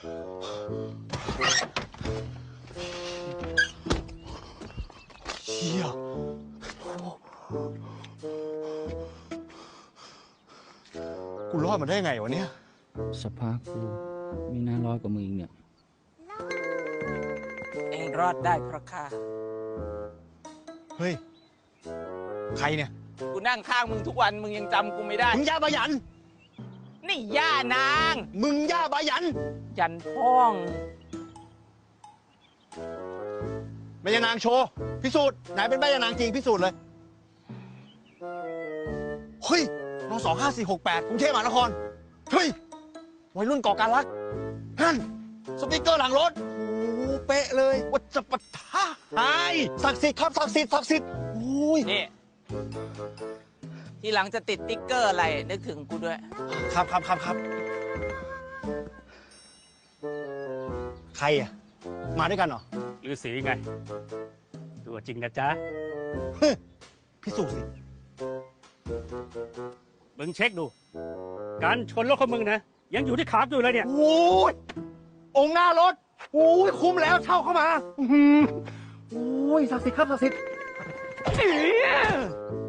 เชี่ยกูรอดมาได้ไงวะเนี่ยสภาพกูไม่น่ารอดกว่ามึงอีกเนี่ยเองรอดได้เพราะข้าเฮ้ย ใครเนี่ยกูนั่งข้างมึงทุกวันมึงยังจำกูไม่ได้มึงย่าบายันนี่ย่านางมึงย่าบายันยันพ้องแม่ยานางโชว์พิสูจน์ไหนเป็นแม่ยานางจริงพิสูจน์เลย เฮ้ยน25468กรุงเทพมหานคร เฮ้ย วัยรุ่นก่อการรักนั่นสติ๊กเกอร์หลังรถ โอ้โหเป๊ะเลยวัจปะทะไอ้ศักดิ์สิทธิ์ครับศักดิ์สิทธิ์ศักดิ์สิทธิ์โอ้ยนี่ ทีหลังจะติดติ๊กเกอร์อะไร นึกถึงกูด้วยครับครับครับครับใครอ่ะ มาด้วยกันเหรอฤาษีไง ตัวจริงนะจ๊ะพิสูจน์สิมึงเช็คดู การชนรถของมึงนะ ยังอยู่ที่ขาอยู่เลยเนี่ยโอ้ยองค์หน้ารถโอ้ยคุ้มแล้วเช่าเข้ามาโอ้ยศักดิ์สิทธิ์ครับศักดิ์สิทธิ์